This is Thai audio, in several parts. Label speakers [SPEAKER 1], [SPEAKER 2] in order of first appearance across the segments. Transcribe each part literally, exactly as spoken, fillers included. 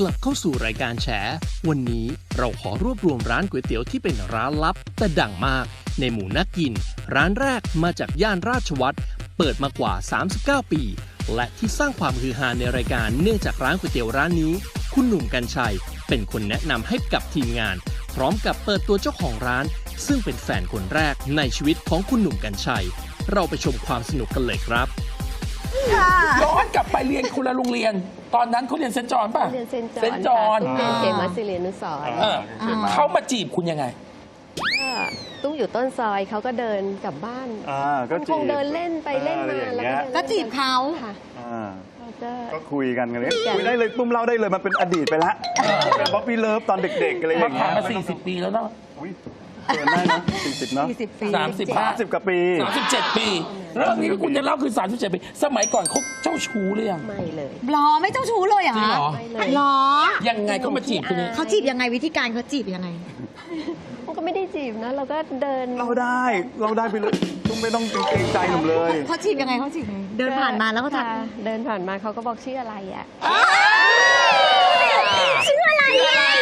[SPEAKER 1] กลับเข้าสู่รายการแฉวันนี้เราขอรวบรวมร้านก๋วยเตี๋ยวที่เป็นร้านลับแต่ดังมากในหมู่นักกินร้านแรกมาจากย่านราชวัตรเปิดมากว่าสามสิบเก้าปีและที่สร้างความฮือฮาในรายการเนื่องจากร้านก๋วยเตี๋ยวร้านนี้คุณหนุ่มกรรชัยเป็นคนแนะนำให้กับทีมงานพร้อมกับเปิดตัวเจ้าของร้านซึ่งเป็นแฟนคนแรกในชีวิตของคุณหนุ่มกรรชัยเราไปชมความสนุกกันเลยครับ
[SPEAKER 2] ย้อนกลับไปเรียนคนละโรงเรียนตอนนั้นเขาเรียนเซนต์จอห์นป่ะ
[SPEAKER 3] เรียนเซนต์
[SPEAKER 2] เซนต์จ
[SPEAKER 3] จ
[SPEAKER 2] อ
[SPEAKER 3] อ
[SPEAKER 2] ห์
[SPEAKER 3] ห์
[SPEAKER 2] น
[SPEAKER 3] นตุ้มเรียนเขมศิรินุสรณ์
[SPEAKER 2] เออเขามาจีบคุณยังไง
[SPEAKER 3] ก็ตุ้มอยู่ต้นซอยเขาก็เดินกลับบ้าน
[SPEAKER 4] อ่าก็
[SPEAKER 3] มัน
[SPEAKER 4] จี
[SPEAKER 3] ค
[SPEAKER 4] บ
[SPEAKER 3] งเดินเล่นไปเล่นมา
[SPEAKER 4] อะไรอย่าง
[SPEAKER 3] แล้ว
[SPEAKER 4] เงี้ย
[SPEAKER 3] ก็
[SPEAKER 5] ก็จีบเขา
[SPEAKER 3] ค่ะ
[SPEAKER 4] อ่า
[SPEAKER 3] แล้วก็
[SPEAKER 4] ก็คุยกันกันเลย
[SPEAKER 3] คุยกัน
[SPEAKER 4] คุยได้เลยตุ้มเล่าได้เลยมันเป็นอดีตไปแล้วเป็นป๊อปปี้เลิฟตอนเด็กๆอะไรอ
[SPEAKER 2] มา
[SPEAKER 4] ย่าง
[SPEAKER 2] ผ่า
[SPEAKER 4] เงี้
[SPEAKER 2] น
[SPEAKER 4] ย
[SPEAKER 2] มาสี่สิบปีแล้วเนาะ
[SPEAKER 4] อุ๊ยเกินได้นะสี่สิบเนาะ
[SPEAKER 5] สี่สิบปี
[SPEAKER 2] สามสิบห้า
[SPEAKER 4] สิบกว่าปี
[SPEAKER 2] สามสิบเจ็ดปีเรื่องนี้ที่คุณจะเล่าคือสามสิบเจ็ดปีสมัยก่อนเขาเจ้าชู้หรือยัง
[SPEAKER 3] ไม่เลย
[SPEAKER 5] หรอไม่เจ้าชู้เลยเหรอ
[SPEAKER 2] จริงเหรอ
[SPEAKER 3] ไม่เลย
[SPEAKER 5] หรอ
[SPEAKER 2] ยังไงเขามาจีบคุณเนี่ย
[SPEAKER 5] เขาจีบยังไงวิธีการเขาจีบยังไง
[SPEAKER 3] มันก็ไม่ได้จีบนะ เราก็เดิน
[SPEAKER 4] เราได้เราได้ไปเลยตุ้มไม่ต้องเกรงใจหนุ่มเลย
[SPEAKER 5] เขาจีบยังไงเขาจีบยังไงเดินผ่านมาแล้วก็ทัก
[SPEAKER 3] ค่ะเดินผ่านมาเขาก็บอกชื่ออะไรอ่ะ
[SPEAKER 5] ชื่ออะไรอ่ะ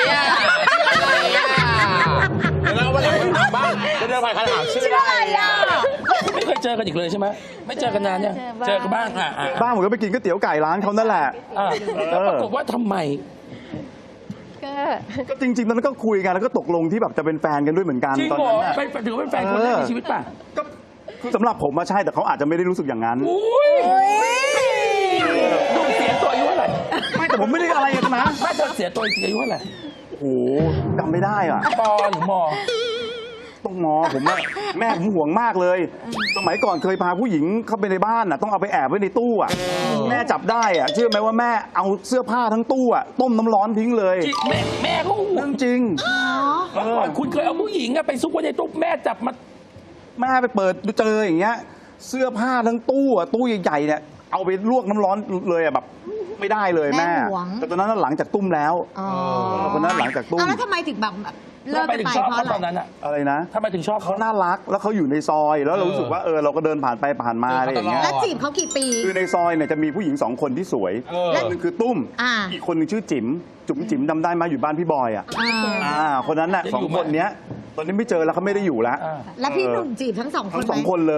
[SPEAKER 6] แล้ววันนี้ถามบ้างจะเดินผ่านคำถามชื่อ
[SPEAKER 5] ชื่ออะไรอ่ะ
[SPEAKER 2] ไม่เคยเจอกันอีกเลยใช่ไหมไม่เจอกันนานเนี่ยเจอกันบ้างอ่ะอ่ะ
[SPEAKER 4] บ้านผมก็ไปกินก๋วยเตี๋ยวไก่ร้านเขานั่นแหละ
[SPEAKER 2] อ่ะแล้วปรากฏว่าทำไม
[SPEAKER 3] ก็
[SPEAKER 4] ก็จริงๆตอนนั้นก็คุยกันแล้วก็ตกลงที่แบบจะเป็นแฟนกันด้วยเหมือนกัน
[SPEAKER 2] จริง
[SPEAKER 4] ตอน
[SPEAKER 2] เหรอ
[SPEAKER 4] นั้นน่ะ
[SPEAKER 2] เป็นถือว่าเป็นแฟนคนแรกในชีวิตป่ะ
[SPEAKER 4] ก็คือสำหรับผมมาใช่แต่เขาอาจจะไม่ได้รู้สึกอย่างนั้น
[SPEAKER 2] อุ้ยดูเสียตัวอายุเท่าไหร่
[SPEAKER 4] ไม่แต่ผมไม่ได้อะไรกันนะ
[SPEAKER 2] ไม่เธอเสียตัวจริงอายุเท่าไหร่
[SPEAKER 4] โอ้โหจำไม่ได้อ่ะ
[SPEAKER 2] ปอหรือมอ
[SPEAKER 4] ต้องงอผมว่าแม่ผมห่วงมากเลย สมัยก่อนเคยพาผู้หญิงเข้าไปในบ้านน่ะต้องเอาไปแอบไว้ในตู้อ่ะแม่จับได้อ่ะเชื่อไหมว่าแม่เอาเสื้อผ้าทั้งตู้อ่ะต้มน้ำร้อนทิ้งเลย
[SPEAKER 2] จริงแม่แม่ก็ห่ว
[SPEAKER 4] เรื่
[SPEAKER 2] ง
[SPEAKER 4] องจริง
[SPEAKER 2] เมื่อก่อนคุณเคยเอาผู้หญิงอะไปซุกไว้ในตู้แม่จับมา
[SPEAKER 4] แม่ไปเปิดดูเจออย่างเงี้ยเสื้อผ้าทั้งตู้อ่ะตู้ใหญ่ๆเนี่ยเอาไปลวกน้ำร้อนเลยอ่ะแบบไม่ได้เลยแม่
[SPEAKER 5] แม่ห่วง
[SPEAKER 4] แต่ตอนนั้นหลังจากตุ้มแล้ว
[SPEAKER 5] อ๋อ
[SPEAKER 4] ตอนนั้นหลังจากตุ้ม
[SPEAKER 5] เอาแล้วทำไมถึงแบบเลิก
[SPEAKER 2] ทำไม
[SPEAKER 5] กัน
[SPEAKER 2] ถึง
[SPEAKER 5] ไป
[SPEAKER 2] ชอบ
[SPEAKER 5] เพราะ
[SPEAKER 2] เขา
[SPEAKER 5] อะไร
[SPEAKER 2] ตอนนั้นอะ
[SPEAKER 4] อะไรนะ
[SPEAKER 2] ทำไมถึงชอบ
[SPEAKER 4] เขา
[SPEAKER 2] เขา
[SPEAKER 4] น่ารักแล้วเขาอยู่ในซอย แล้วเรารู้สึกว่าเออเราก็เดินผ่านไปผ่านมาอะไรอย่างเงี้ย
[SPEAKER 5] แล้วจีบเขากี่ปี
[SPEAKER 4] คือในซอยเนี่ยจะมีผู้หญิงสองคนที่สวย
[SPEAKER 6] เออ
[SPEAKER 4] คนหนึงคือตุ้ม
[SPEAKER 5] อ่า
[SPEAKER 4] อีกคนหนึงชื่อจิ๋มจุ๋มจิ๋มจำได้ไหมาอยู่บ้านพี่บอยอ่ะ
[SPEAKER 5] อ่า
[SPEAKER 4] อ่าคนนั้นน่ะสองคนเนี้ยตอนนี้ไม่เจอแล้วเขาไม่ได้อยู่แล้ว
[SPEAKER 2] อ่า
[SPEAKER 5] แล้วพี่หนุ่มจีบทั้งสองคน
[SPEAKER 4] ทั้ง
[SPEAKER 5] ไหม
[SPEAKER 4] สองคนเลย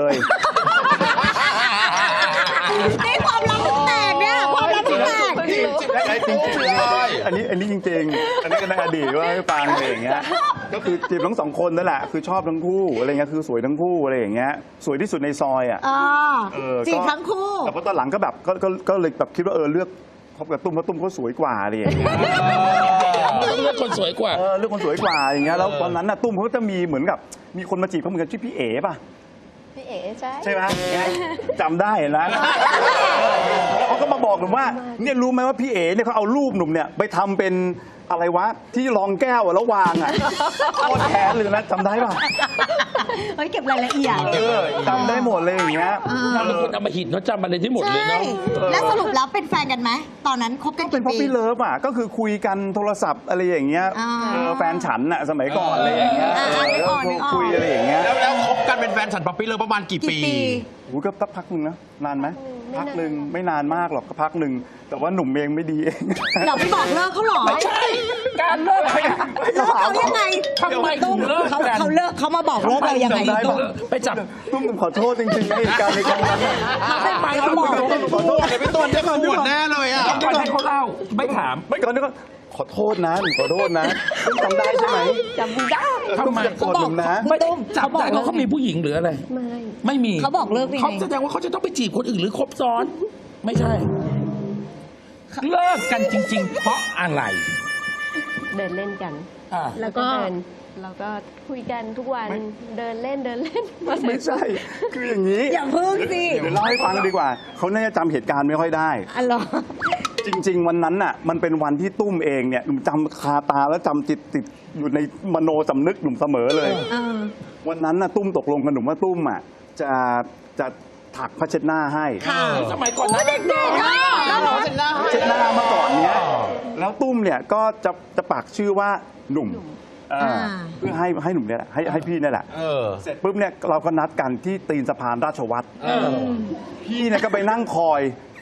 [SPEAKER 5] นี่ความลับถึงแตกเนี่ยความลับถึงแตก
[SPEAKER 4] ไอ้จริงๆอันนี้อันนี้จริงๆอันนี้ก็ในอดีตว่าให้ฟังอะไรอย่างเงี้ยก็คือจีบทั้งสองคนนั่นแหละคือชอบทั้งคู่อะไรเงี้ยคือสวยทั้งคู่อะไรอย่างเงี้ยสวยที่สุดในซอยอ่ะ
[SPEAKER 5] อ๋อ
[SPEAKER 4] เออก็
[SPEAKER 5] จีบทั้งคู่
[SPEAKER 4] แต่พอตอนหลังก็แบบก็ก็ก็เลยแบบคิดว่าเออเลือกคบกับตุ้มเพราะตุ้มเขาสวยกว่าอะไรอย่างเงี้ย
[SPEAKER 2] ต้องเลือกคนสวยกว่า
[SPEAKER 4] เออเลือกคนสวยกว่าอย่างเงี้ยแล้วตอนนั้นน่ะตุ้มเขาก็จะมีเหมือนกับมีคนมาจีบเขาเหมือนกันชื่อพี่เอ๋ป่ะ
[SPEAKER 3] พี่เอ๋ใช่
[SPEAKER 4] ใช่ไหมจำได้นะแล้วเขาก็มาบอกหนุ่มว่าเนี่ยรู้ไหมว่าพี่เอ๋เนี่ยเขาเอารูปหนุ่มเนี่ยไปทำเป็นอะไรวะที่รองแก้วอะแล้ววางอ่ะโคตรแค้นเลยนะจำได้ป่ะ
[SPEAKER 5] เฮ้ยเก็บรายละเอียด
[SPEAKER 4] เออจำได้หมดเลยอย่างเงี้ย
[SPEAKER 2] นางเป็นคนเอามาหินเขาจำอะไรที่หมดเลย
[SPEAKER 5] ใช่
[SPEAKER 2] เนาะ
[SPEAKER 5] แล้วสรุปแล้วเป็นแฟนกันไหมตอนนั้นคบกัน
[SPEAKER 4] เป็น
[SPEAKER 5] กี่
[SPEAKER 4] ป๊อป
[SPEAKER 5] ปี
[SPEAKER 4] ปี้เลิฟอ่ะก็คือคุยกันโทรศัพท์อะไรอย่างเงี้ย
[SPEAKER 5] อ่า
[SPEAKER 4] เออแฟนฉันอ่ะสมัยก่อนอะไรอย่างเงี้ย
[SPEAKER 5] อ่า
[SPEAKER 4] เออ
[SPEAKER 5] นึกออก
[SPEAKER 4] แล้ว
[SPEAKER 5] นึกออก
[SPEAKER 4] คุยอะไรอย่างเงี้ย
[SPEAKER 6] แล้วแล้วคบกันเป็นแฟนฉันป๊อปปี้เลยประมาณกี่
[SPEAKER 5] กี่
[SPEAKER 6] ปี
[SPEAKER 5] ปี
[SPEAKER 4] โอ้ก็สักพักหนึ่งนะนานไหมพักหนึ่งไม่นานมากหรอกก็พักหนึ่งแต่ว่าหนุ่มเองไม่ดีเอง
[SPEAKER 5] เราไปบอกเลิกเขาเหรอ
[SPEAKER 2] ไม่ใช่ การเลิกไป
[SPEAKER 5] เลิกเขายังไง
[SPEAKER 2] ทำไมถึงเลิก
[SPEAKER 5] เขา
[SPEAKER 2] กัน
[SPEAKER 5] เขาเลิกเขามาบอกเลิกเรายังไง
[SPEAKER 4] จำได้ปะ
[SPEAKER 2] ไปจับ
[SPEAKER 4] ตุ้มขอโทษจริงๆในเหตุการณ์ในครั้งนั้นน่ะ
[SPEAKER 2] ไม่ไปเขาบอก
[SPEAKER 4] ขอโทษ
[SPEAKER 6] เดี๋ยวพี่ต้นจะขวดแน่เลยอ่ะ
[SPEAKER 2] ก่อนให้เขาเล่าไม่ถาม
[SPEAKER 4] ไม่ก่อนนี่ก็ขอโทษนะหนูขอโทษนะตุ้มจำได้ใช่ไหม
[SPEAKER 3] จำไม่ได้
[SPEAKER 2] ทำไม
[SPEAKER 4] ตุ้มอย่าโกรธหนุ่มนะ
[SPEAKER 2] ไม่ได้จับได้เพราะเขามีผู้หญิงหรืออะไร
[SPEAKER 3] ไม่
[SPEAKER 2] ไม่มี
[SPEAKER 5] เขาบอกเลิกได้ไง
[SPEAKER 2] เขาแสดงว่าเขาจะต้องไปจีบคนอื่นหรือคบซ้อน ไม่ใช่ เลิกกันจริง ๆ เพราะอะไร
[SPEAKER 3] เดินเล่นกัน
[SPEAKER 2] อ่า
[SPEAKER 3] แล้วก็เดินแล้วก็คุยกันทุกวันเดินเล่นเดินเล่น
[SPEAKER 4] ไม่ใช่ คืออย่างนี้
[SPEAKER 5] อย่าพึ่งสิ
[SPEAKER 4] เดี๋ยวเล่าให้ฟังดีกว่า เขาน่าจะจำเหตุการณ์ไม่ค่อยได้
[SPEAKER 5] อ๋อเหรอ
[SPEAKER 4] จริง ๆ วันนั้นน่ะมันเป็นวันที่ตุ้มเองเนี่ยหนุ่มจำคาตาแล้วจำจิตติดอยู่ในมโนสำนึกหนุ่มเสมอเลย
[SPEAKER 5] เออ
[SPEAKER 4] วันนั้นน่ะตุ้มตกลงกับหนุ่มว่าตุ้มอ่ะจะจะถักผ้าเช็ดหน้าให้
[SPEAKER 5] ค่ะ
[SPEAKER 2] สมัยก่อนนะ
[SPEAKER 5] เด็กๆอ่ะแล้วเหรอ
[SPEAKER 4] ผ้าเช็ดหน้าเมื่อก่อนเนี้ยแล้วตุ้มเนี่ยก็จะจะปักชื่อว่าหนุ่มอ่า
[SPEAKER 5] อ่า
[SPEAKER 4] เพื่อให้ให้หนุ่มเนี่ยแหละให้ให้พี่เนี่ยแหละ
[SPEAKER 6] เออ
[SPEAKER 4] เสร็จปุ๊บเนี่ยเราก็นัดกันที่ตีนสะพานราชวัตร
[SPEAKER 6] เออ
[SPEAKER 4] พี่เนี่ยก็ไปนั่งคอย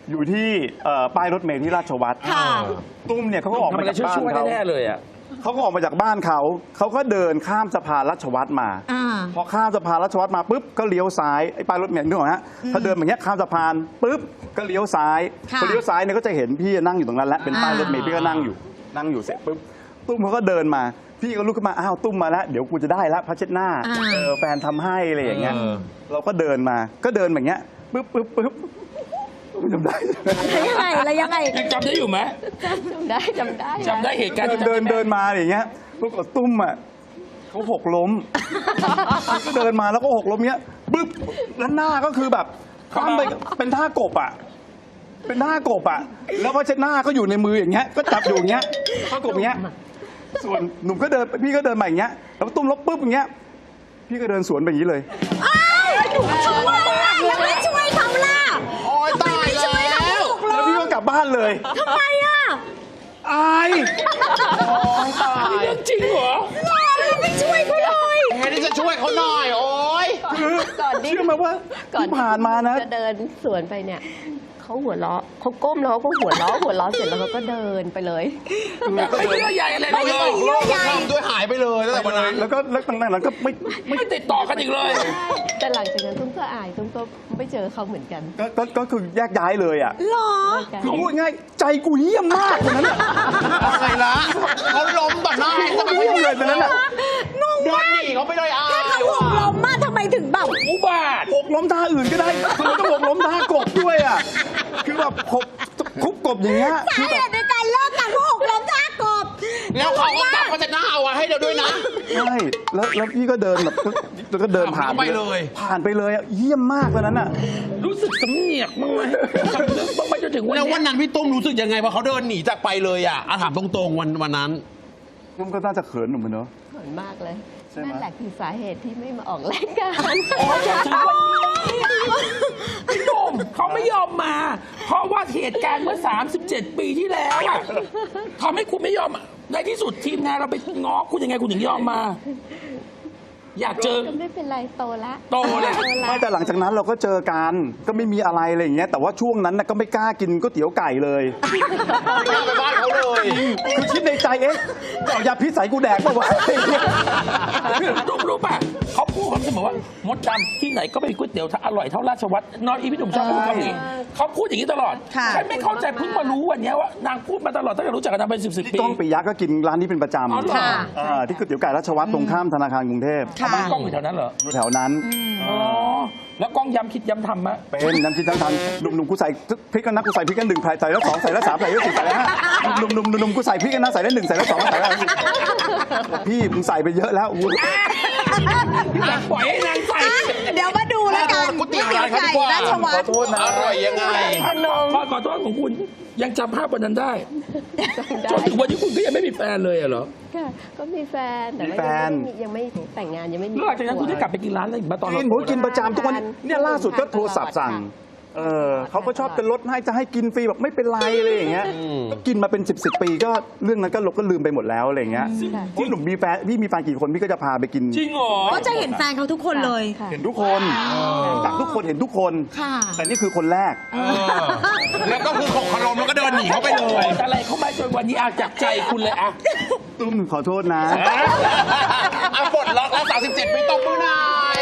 [SPEAKER 4] อยู่ที่เอ่อป้ายรถเมล์ที่ราชวัตร
[SPEAKER 5] ค่ะ
[SPEAKER 4] ตุ้มเนี่ยเขาก็ออก
[SPEAKER 2] ทำ
[SPEAKER 4] มา
[SPEAKER 2] อะไร
[SPEAKER 4] จากบ้าน
[SPEAKER 2] ช่วยๆ
[SPEAKER 4] เขา
[SPEAKER 2] แน่ๆเลยอ่ะ
[SPEAKER 4] เขาก็ออกมาจากบ้านเขาเขาก็เดินข้ามสะพานราชวัตรมา
[SPEAKER 5] อ่า
[SPEAKER 4] พอข้ามสะพานราชวัตรมาปุ๊บก็เลี้ยวซ้ายไอ้ป้ายรถเมล์นึกออกไหมฮะถ้าเดินแบบเนี้ยข้ามสะพานปุ๊บก็เลี้ยวซ้าย
[SPEAKER 5] ค่ะ
[SPEAKER 4] พอเลี้ยวซ้ายเนี่ยก็จะเห็นพี่นั่งอยู่ตรงนั้นแล้วเป็นป้ายรถเมล์พี่ก็นั่งอยู่นั่งอยู่เสร็จปุ๊บตุ้มเขาก็เดินมาพี่ก็ลุกขึ้นมาอ้าวตุ้มมาแล้วเดี๋ยวกูจะได้แล้วผ้าเช็ดหน้า
[SPEAKER 5] อ่า
[SPEAKER 4] เออแฟนทำให้อะไรอย่างเงี้ย
[SPEAKER 6] เออ
[SPEAKER 4] เราก็เดินมาก็เดินแบบเนี้ยปุ๊บปุ๊บปุ๊บจำได้
[SPEAKER 5] แล้วยังไงแล้วยังไง
[SPEAKER 2] ยังจำได้อยู่ไหม
[SPEAKER 3] จำได้จำได้
[SPEAKER 2] จำได้เหตุการณ์
[SPEAKER 4] เดิน
[SPEAKER 2] ที่
[SPEAKER 4] เดินเดินมาอย่างเงี้ยปรากฏตุ้มอ่ะเขาหกล้ม ก็เดินมาแล้วก็หกล้มเงี้ยปึ๊บแล้วหน้าก็คือแบบคว่ำไปเป็นท่ากบอ่ะ เป็นท่ากบอ่ะ แล้วก็เช็ดหน้าก็อยู่ในมืออย่างเงี้ย ก็จับอยู่อย่างเงี้ยท่ากบอย่างเงี้ย ส่วนหนุ่มก็เดินพี่ก็เดินมาอย่างเงี้ย แล้วตุ้มลบปึ๊บอย่างเงี้ย พี่ก็เดินสวนไปอย่างนี้เลย
[SPEAKER 5] ช่วยล่ะแล้วไม่ช่วยเขาล่ะ
[SPEAKER 6] โอ้ยตาย
[SPEAKER 5] ไม่ช่วย
[SPEAKER 6] แล้
[SPEAKER 5] เขา
[SPEAKER 6] ว
[SPEAKER 5] ถูกเล
[SPEAKER 4] แล้วพี่
[SPEAKER 5] ย
[SPEAKER 4] ก็กลับบ้านเลย
[SPEAKER 5] ทำไมอ่ะ
[SPEAKER 4] อาย
[SPEAKER 6] ตาย
[SPEAKER 2] เรื่องจริงเหรอ
[SPEAKER 5] เราไม่ช่วยเขาเลย
[SPEAKER 6] แทนที่จะช่วยเขาหน่อย โอ้ย
[SPEAKER 4] คือ
[SPEAKER 3] ก่อนที่
[SPEAKER 4] เชื่อไหมว่า
[SPEAKER 3] ก่อน
[SPEAKER 4] ที่ผ่านมานะ
[SPEAKER 3] จะเดินสวนไปเนี่ยเขาหัวเราะเขาก้มแล้วเขาก็หัวเราะหัวเราะเสร็จแล้วเขาก็เดินไปเลย
[SPEAKER 2] ไม่เยื่อใยอะไร
[SPEAKER 5] ไม่
[SPEAKER 2] เล
[SPEAKER 5] ได้
[SPEAKER 2] ย
[SPEAKER 5] เยื่อใย
[SPEAKER 6] ทำด้วยหายไปเลยตั้งแต่วันนั้น
[SPEAKER 4] แล้วก็แล้วตั้งแต่นั้นก็ไม่
[SPEAKER 2] ไม่ติดต่อกันอีกเลย
[SPEAKER 3] แต่หลังจากนั้นตุ้มก็อายตุ้มก็ไม่เจอเขาเหมือนกัน
[SPEAKER 4] ก็ก็ก็คือแยกย้ายเลยอ่ะ
[SPEAKER 5] หรอ
[SPEAKER 4] คือพูดง่ายใจกูเยี่ยมมากคนนั้นอ่ะ
[SPEAKER 6] อะไรละเขาล้มต่อหน้าจะมา
[SPEAKER 4] เยี่ยมเลยคนนั้นอ่ะ
[SPEAKER 6] เดินหนีเขาไปเลยอ่ะ
[SPEAKER 5] ถ้าเขาหกล้มมาทำไมถึงแบบ
[SPEAKER 2] อุบาท
[SPEAKER 4] หกล้มท่าอื่นก็ได้คือมันก็หกล้มท่ากบด้วยอ่ะคือแบบหกคุกกบอย่างเงี้ย
[SPEAKER 5] สา
[SPEAKER 4] คือ
[SPEAKER 5] เห
[SPEAKER 4] แบบ
[SPEAKER 5] ตุในการเลิกกันเพราะหกล้มท่ากบ
[SPEAKER 6] แล้วเขาก็จับเขาจะหน้าเอาไว้ให้เดี๋ยวด้วยนะ
[SPEAKER 4] ใช่แล้วแล้วพี่ก็เดินแบบแล้วก็เดินผ่าน
[SPEAKER 6] ไปเลย
[SPEAKER 4] ผ่านไปเลยอ่ะเยี่ยมมากคนนั้นอ่ะ
[SPEAKER 2] รู้สึกสำเนียกบ้างไหมสำนึกบ้างไหมจนถึงวัน
[SPEAKER 6] แล้ว
[SPEAKER 2] เนี้
[SPEAKER 6] วัน
[SPEAKER 2] ย
[SPEAKER 6] นั้นพี่ตุ้มรู้สึกยังไงพอเขาเดินหนีจากไปเลยอ่ะอ่ะถามตรงๆวันวันนั้น
[SPEAKER 4] นุ่มก็น่าจะเขินหนุ่มเนอะ
[SPEAKER 3] เขินมากเลย
[SPEAKER 4] ใช่ไหม
[SPEAKER 3] นั่นแหละคือสาเหตุที่ไม่มาออกรายการ
[SPEAKER 2] อ๋อจนถึงวันนี้พี่หนุ่มเขาไม่ยอมมา เพราะว่าเหตุการณ์เมื่อ สามสิบเจ็ด ปีที่แล้วอะทำให้คุณไม่ยอมอะในที่สุดทีมงานเราไปง้อคุณยังไงคุณถึงยอมมา อยากเจอ
[SPEAKER 3] ก็ไม่เป็นไรโตละ
[SPEAKER 2] โตแล้ว
[SPEAKER 4] ไม่แต่หลังจากนั้นเราก็เจอกันก็ไม่มีอะไรอะไรอย่างเงี้ยแต่ว่าช่วงนั้นน่ะก็ไม่กล้ากินก๋วยเตี๋ยวไก่เลย
[SPEAKER 6] ไม่เอาไปบ้านเขาเลย
[SPEAKER 4] คือคิดในใจเอ๊ะจะเอายาพิษใส่กูแดกป่าวะ
[SPEAKER 2] รู้รู้ป่ะเขาพูดคำเสมอว่ามดดำที่ไหนก็ไม่มีก๋วยเตี๋ยวถ้าอร่อยเท่าราชวัตรนอนอีพี่หนุ่มชอบพูดคำนี้เขาพูดอย่างนี้ตลอด
[SPEAKER 5] ค่ะ
[SPEAKER 2] ฉันไม่เข้าใจเพิ่งมารู้วันเนี้ยว่านางพูดมาตลอดตั้งแต่รู้จักกันมาเป็นสิบสิบ
[SPEAKER 4] พี่
[SPEAKER 2] ปี
[SPEAKER 4] ก้องปิยะก็กินร้านนี้เป็นประจ
[SPEAKER 2] อ๋อเหรอ
[SPEAKER 5] ค่ะ
[SPEAKER 4] ำอ่าที่ก๋วยเตี๋ยวไก่ราชวัตรตรงข้ามธนาคารกรุงเทพ
[SPEAKER 5] ค่ะ
[SPEAKER 2] บ้านกล้องอยู่แถวนั้นเหรอ
[SPEAKER 4] อยู่แถวนั้น
[SPEAKER 2] อ๋อแล้วกล้องย้ำคิดย้ำทำมะ
[SPEAKER 4] เป็นน้ำคิดทั้งทันหนุ่มๆกูใส่พริกกันนะกูใส่พริกกันหนึ่งใส่แล้วสองใส่แล้วสามใส่แล้วสี่ใส่แล้วห้าหนุ่มๆหนุ่มๆกูใส่พริกกันนะใส่แล้วหนึ่งใส่แล้วสองใส่แล้วสี่พี่มึงใส่ไปเยอะแล้วอุ๊ย
[SPEAKER 2] อยากปล่อยให้นางใส่
[SPEAKER 5] อ่ะเดี๋ยวมาดูแล้วกัน
[SPEAKER 6] ก๋วยเตี๋
[SPEAKER 5] ก๋วย
[SPEAKER 6] ยว
[SPEAKER 5] เตี๋ยวไก่ราชวั
[SPEAKER 4] ขอ
[SPEAKER 5] ตร
[SPEAKER 4] โทษนะ
[SPEAKER 6] อร่อยยังไง
[SPEAKER 2] ขอขอโทษของคุณยังจำภาพวันนั้นได้จนถึงวันนี้คุณก็ยังไม่มีแฟนเลยอะเหรอ
[SPEAKER 3] ค่ะก็มีแฟนแต่
[SPEAKER 4] มี
[SPEAKER 3] ว่า
[SPEAKER 4] แฟน
[SPEAKER 3] ยังไม่มียังไม่แต่งงานยังไม่มี
[SPEAKER 2] หลังจากนั้นคุณได้กลับไปกินร้านอะไรอีกมาตอน
[SPEAKER 4] กินผมกินประจำทุกวันเนี่ยล่าสุดก็โทรศัพท์สั่งเออเขาก็ชอบเป็นรถให้จะให้กินฟรีแบบไม่เป็นไรอะไรอย่างเงี้ยก็กินมาเป็นสิบสิบปีก็เรื่องนั้นก็ลบก็ลืมไปหมดแล้วอะไรอย่างเงี้ยพี่หนุ่มมีแฟนพี่มีแฟนกี่คนพี่ก็จะพาไปกิน
[SPEAKER 2] จริงเหรอ
[SPEAKER 5] ก็จะเห็นแฟนเขาทุกคนเลย
[SPEAKER 3] ค่ะ
[SPEAKER 4] เห็นทุกคนจากทุกคนเห็นทุกคน
[SPEAKER 5] ค่ะ
[SPEAKER 4] แต่นี่คือคนแรก
[SPEAKER 6] เออแล้วก็คือของขลมแล้วก็เดินหนีเขาไปเล
[SPEAKER 2] ปล่
[SPEAKER 6] ย
[SPEAKER 2] อยอะไรเข้ามาจนวันนี้อาจากใจคุณเลยอะ
[SPEAKER 4] ตุ้มขอโทษนะ
[SPEAKER 6] อ่ะปลดล็อกแล้วสามสิบเจ็ดปีตบมือหน่อย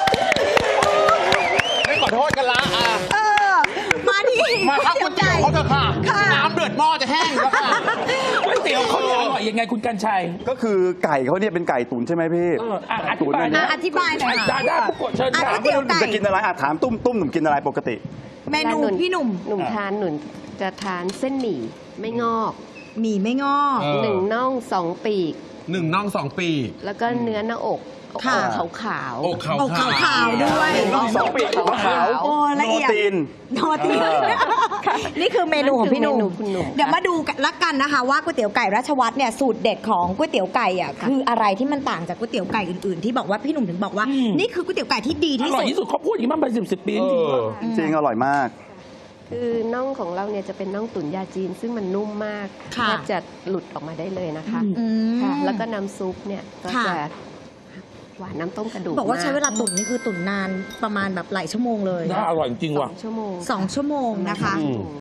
[SPEAKER 6] ไม่ขอโทษกันละอ่ะ
[SPEAKER 5] เออ มาที่
[SPEAKER 6] มาครับก๋วยเตี๋ยวเขาเถอะค่ะ
[SPEAKER 5] ค่ะ
[SPEAKER 6] น้ำเดือดหม้อจะแห้งแล้วค่ะ
[SPEAKER 2] ก๋วยเตี๋ยวเขาเนี่ยอร่อยยังไงคุณกัญชัย
[SPEAKER 4] ก็คือไก่เขาเนี่ยเป็นไก่ตุ๋นใช่ไหมพี่
[SPEAKER 2] เอออ่ะอธิ
[SPEAKER 4] ตุ๋น
[SPEAKER 2] บาย
[SPEAKER 4] อัน
[SPEAKER 2] นะ
[SPEAKER 4] เนี้ย
[SPEAKER 5] อธิบายหน่อย
[SPEAKER 2] ดา
[SPEAKER 5] ค่ะ
[SPEAKER 2] ด้าปุกโกะเชิญ
[SPEAKER 5] อ่ะ
[SPEAKER 2] ค่ะ
[SPEAKER 5] ก๋วยเตี๋ยว
[SPEAKER 4] หนุ่มจะกินอะไรอ่ะถามตุ้มตุ้มหนุ่มกินอะไรปกติ
[SPEAKER 5] เมนูพี่หนุ่ม
[SPEAKER 3] หนุ่มทานหนุ่มจะทานเส้นหมี่ไม่งอก
[SPEAKER 5] หมี่ไม่งอก
[SPEAKER 6] เออ
[SPEAKER 3] หนึ่งน่องสองปีก
[SPEAKER 6] หนึ่งน่องสองปี
[SPEAKER 3] แล้วก็เนื้อหน้าอก
[SPEAKER 5] ค่ะ
[SPEAKER 3] ขาวขาว
[SPEAKER 6] อกขาว
[SPEAKER 5] อกขาวๆด้วย
[SPEAKER 4] น้องสองปีกขาว
[SPEAKER 5] โอ้ละเอียด
[SPEAKER 4] โนตีน
[SPEAKER 5] โนตีนนี่คือเมนูของพี่หนุ่ม
[SPEAKER 3] คุณหนุ่ม
[SPEAKER 5] เดี๋ยวมาดูกันละกันนะคะว่าก๋วยเตี๋ยวไก่ราชวัตรเนี่ยสูตรเด็ดของก๋วยเตี๋ยวไก่อ่ะคืออะไรที่มันต่างจากก๋วยเตี๋ยวไก่อื่นๆที่บอกว่าพี่หนุ่มถึงบอกว่า นี่คือก๋วยเตี๋ยวไก่ที่ดี
[SPEAKER 2] อ
[SPEAKER 5] ที่
[SPEAKER 2] ร่อย
[SPEAKER 5] สุด
[SPEAKER 2] ที่สุดเขาพูดอย่างนี้มาเป็นสิบสิบปีจ
[SPEAKER 6] เอ
[SPEAKER 2] ริง
[SPEAKER 6] อ
[SPEAKER 4] จริงอร่อยมาก
[SPEAKER 3] คือน่องของเราเนี่ยจะเป็นน่องตุ๋นยาจีน ซึ่งมันนุ่มมาก
[SPEAKER 5] ค่ะ
[SPEAKER 3] แทบจะหลุดออกมาได้เลยนะคะ
[SPEAKER 5] อืม
[SPEAKER 3] ค่ะแล้วก็น้ำซุปเนี่ยก็
[SPEAKER 5] ค่ะ
[SPEAKER 3] จะหวานน้ำต้มกระดูก
[SPEAKER 5] บอกว่าใช้เวลา
[SPEAKER 3] ม
[SPEAKER 5] ตุ๋นนี่คือตุ๋นนานประมาณแบบหลายชั่วโมงเลย
[SPEAKER 2] น่าอร่อยจริง
[SPEAKER 3] ส
[SPEAKER 2] ว่ะ
[SPEAKER 3] องชั่วโมง
[SPEAKER 5] สองชั่วโมงนะคะ
[SPEAKER 3] สองชั่วโมง